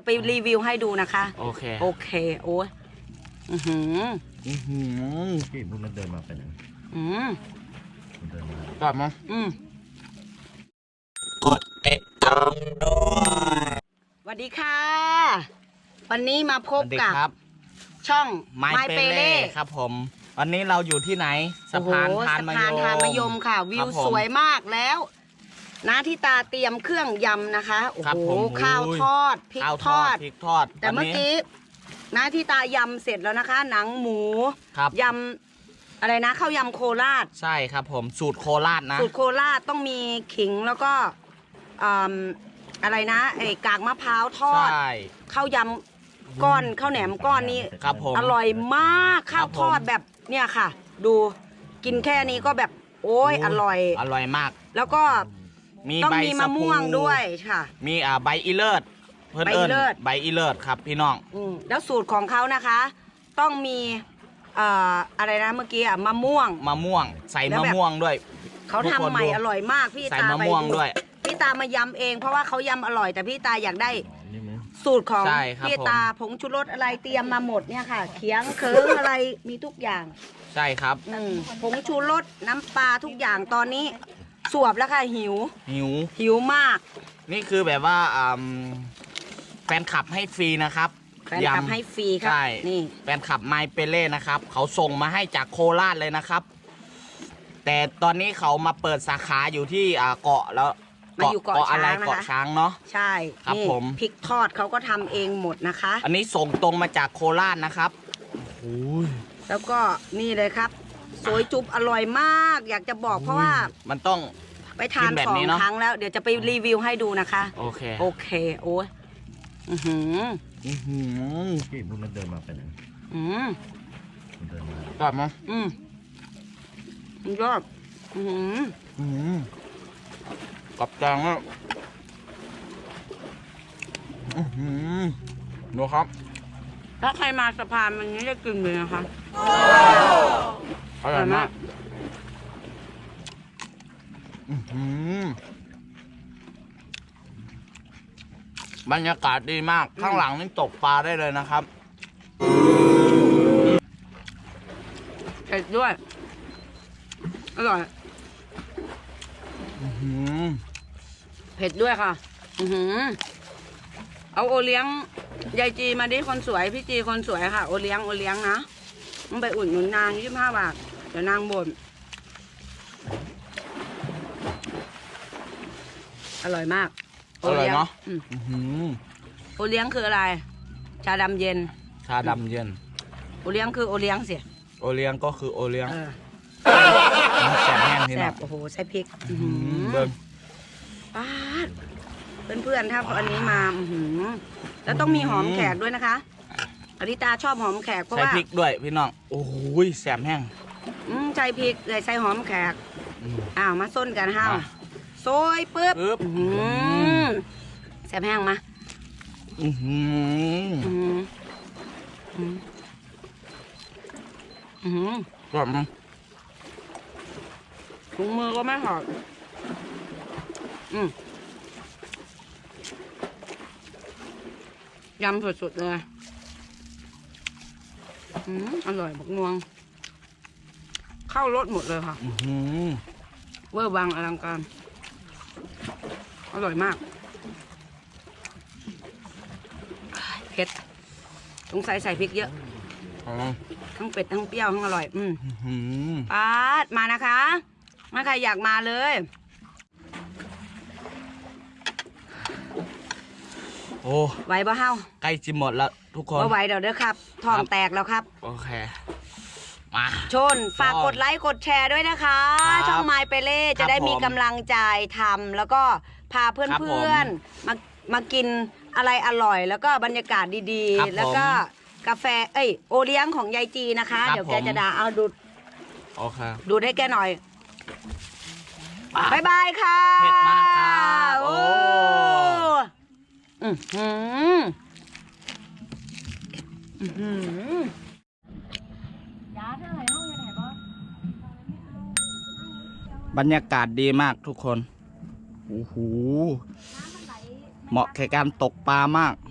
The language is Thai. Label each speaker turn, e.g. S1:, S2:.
S1: ไปรีวิวให้ดูนะคะ
S2: โอเค
S1: โอ้ย
S3: พี่พวกนั้นเดินมาเป็นยังเดินมาก
S2: ลับมาก
S3: ดติดตามด้วย
S1: สวัสดีค่ะวันนี้มาพบกับ ช่อง
S2: ไมเปเล่ครับผมวันนี้เราอยู่ที่ไหนสะพานทานมะยม
S1: ค่ะวิวสวยมากแล้วนะที่ตาเตรียมเครื่องยำนะคะโอ้โหข้าวทอดพริกทอดแต่เมื่อกี้นะที่ตายำเสร็จแล้วนะคะหนังหมูยำอะไรนะข้าวยำโคราช
S2: ใช่ครับผมสูตรโคราชนะ
S1: สูตรโคราชต้องมีขิงแล้วก็อะไรนะไอ้กากมะพร้าวทอดข้าวยำก้อนข้าวแหนมก้อนนี้
S2: ครับผม
S1: อร่อยมากข้าวทอดแบบเนี่ยค่ะดูกินแค่นี้ก็แบบโอ้ยอร่อย
S2: มาก
S1: แล้วก็ต้องมีมะม่วงด้วยค่ะ
S2: มีใบอีเลิศเพื่อนใบอีเลิศครับพี่น้อง
S1: แล้วสูตรของเขานะคะต้องมีอะไรนะเมื่อกี้มะม่วง
S2: ใส่มะม่วงด้วย
S1: เขาทำใหม่อร่อยมากพี่ตาไปพี่ตามายำเองเพราะว่าเขายำอร่อยแต่พี่ตาอยากได้สูตรของพี่ตาผงชูรสอะไรเตรียมมาหมดเนี่ยค่ะเขียงเคิงอะไรมีทุกอย่าง
S2: ใช่ครับ
S1: ผงชูรสน้ำปลาทุกอย่างตอนนี้สวบแล้วค่ะหิวมาก
S2: นี่คือแบบว่าแฟนคลับให้ฟรีนะครับ
S1: แฟนคลับให้ฟรีครับ
S2: นี่แฟนคลับไมเปเล่นะครับเขาส่งมาให้จากโคราชเลยนะครับแต่ตอนนี้เขามาเปิดสาขาอยู่ที่เกาะแล้ว
S1: มาอยู่เกาะช้างนะคะ
S2: เกาะช้างเนาะ
S1: ใช่
S2: ครับผม
S1: พริกทอดเขาก็ทำเองหมดนะคะ
S2: อันนี้ส่งตรงมาจากโคราชนะครับ
S1: แล้วก็นี่เลยครับสวยจุ๊บอร่อยมากอยากจะบอกเพราะว่า
S2: มันต้อง
S1: ไปทาน2 ครั้งแล้วเดี๋ยวจะไปรีวิวให้ดูนะคะ
S2: โอเค
S1: โอ้ย
S3: พี่พวกนั้นเดินมาเป็นยังเดินมาก
S2: ลับมาย
S1: อด
S2: กับจังอ่ะดูครับ
S1: ถ้าใครมาสะพานมันนี้จะกินเลยนะคะ
S2: อร่อยมากบรรยากาศดีมากข้างหลังนี่ตกปลาได้เลยนะครับ
S1: เผ็ดด้วยอร่อยเผ็ดด้วยค่ะเอาโอเลี้ยงยายจีมาดิคนสวยพี่จีคนสวยค่ะโอเลี้ยงนะต้องไปอุ่นหนุนนาง25 บาทเดี๋ยวนางบ่นอร่อยมาก
S2: อร่อยเนาะ
S1: โอเลี้ยงคืออะไรชาดำเย็นโอเลี้ยงคือโอเลี้ยงเสีย
S2: โอเลี้ยงก็คือโอเลี้ยงแซ่บแห้งที่นั่น
S1: โอ้โหใส่พริกป้าเพื่อนๆถ้าอันนี้มาแล้วต้องมีหอมแขกด้วยนะคะอริตาชอบหอมแขกเพราะว่า
S2: ใส่พริกด้วยพี่น้องโอ้ยแซ่บแห้ง
S1: ใส่พริกใส่หอมแขกมาส้นกันห้าวโซยปึ๊บแซ่บแห้งมาก
S2: รอบมั้ง
S1: ถุงมือก็ไม่ถอดยำสุดๆเลยอร่อยบักงวงเข้ารสหมดเลยค่ะเวอร์วังอลังการอร่อยมากเผ็ดสงสัยใส่พริกเยอะทั้งเป็ดทั้งเปรี้ยวทั้งอร่อยป๊าดมานะคะถ้าใครอยากมาเลย
S2: โอ้
S1: ไหวบ่เฮา
S2: ใกล้จะหมดแล้วทุกคน
S1: ไหวเดี๋ยวครับท้องแตกแล้วครับ
S2: โอเคมา
S1: ชนฝากกดไลค์กดแชร์ด้วยนะคะช่องไมเปเล่จะได้มีกำลังใจทำแล้วก็พาเพื่อนๆมากินอะไรอร่อยแล้วก็บรรยากาศดีๆแล้วก็กาแฟโอเลี้ยงของยายจีนะคะเดี๋ยวแกจะด่าเอาดูด
S2: โอเค
S1: ดูดให้แกหน่อยบายบายค่ะ
S2: เผ็ดมากค่ะโอ้บรรยากาศดีมากทุกคนโอ้โหเหมาะแก่การตกปลามาก